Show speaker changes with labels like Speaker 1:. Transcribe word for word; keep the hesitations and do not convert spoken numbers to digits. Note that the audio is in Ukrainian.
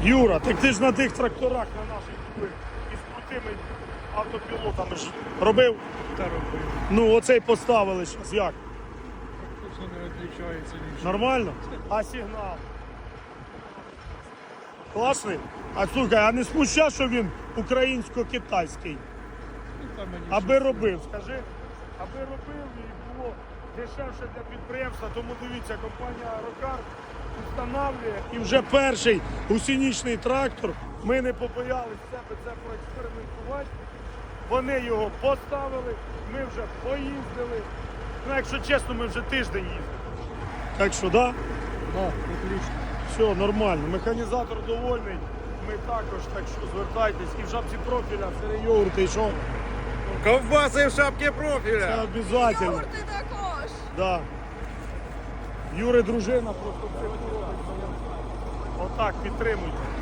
Speaker 1: Юра, так ти ж на тих тракторах на наших купив із крутими автопілотами ж робив?
Speaker 2: Та робив.
Speaker 1: Ну, оцей поставили зараз як?
Speaker 2: Практично не відрізняється нічого.
Speaker 1: Нормально? А сигнал? Класний? А слухай, а не смущає, що він українсько-китайський?
Speaker 2: Ну, там мені
Speaker 1: Аби
Speaker 2: щось-
Speaker 1: робив, скажи. Аби робив і було дешевше для підприємства, тому дивіться, компанія Рокар встановлює і вже перший гусеничний трактор. Ми не побоялись себе це проекспериментувати. Вони його поставили, ми вже поїздили. Ну, якщо чесно, ми вже тиждень їздили. Так що, да?
Speaker 2: Да, отлично.
Speaker 1: Все, нормально. Механізатор довольний. Ми також, так що звертайтесь. І в шапці профіля, сири йогурти, і що?
Speaker 3: Ковбаси в шапці
Speaker 1: Це
Speaker 3: профіля.
Speaker 1: обов'язково.
Speaker 4: Йогурти також.
Speaker 1: Да. Юри дружина просто все робить. Отак, підтримуйте.